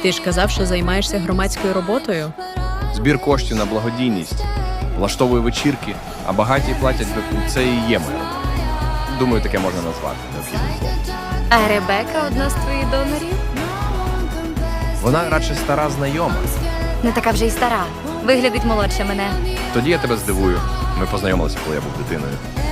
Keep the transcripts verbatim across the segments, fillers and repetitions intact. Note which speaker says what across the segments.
Speaker 1: Ти ж казав, що займаєшся громадською роботою?
Speaker 2: Збір коштів на благодійність, влаштовую вечірки, а багаті платять ВПУ. Це і є моя робота. Думаю, таке можна назвати необхідним словом.
Speaker 3: А Ребека одна з твоїх донорів?
Speaker 2: Вона радше стара знайома.
Speaker 3: Не така вже й стара. Виглядить молодше мене.
Speaker 2: Тоді я тебе здивую. Ми познайомилися, коли я був дитиною.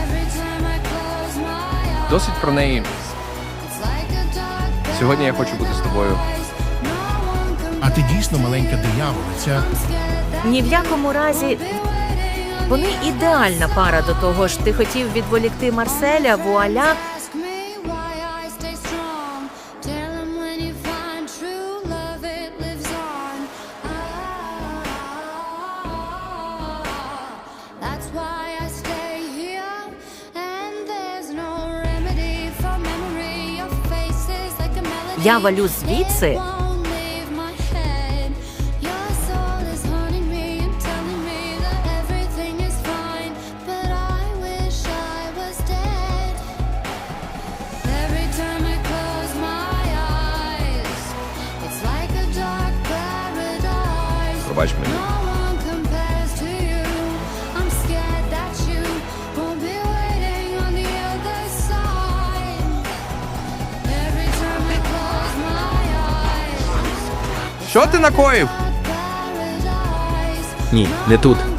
Speaker 2: Досить про неї. Сьогодні я хочу бути з тобою.
Speaker 4: А ти дійсно маленька дияволиця.
Speaker 5: Ні в якому разі. Вони ідеальна пара до того ж. Ти хотів відволікти Марселя, вуаля. Я валю звідси.
Speaker 2: Пробач мені. Що ти накоїв?
Speaker 6: Ні, не тут.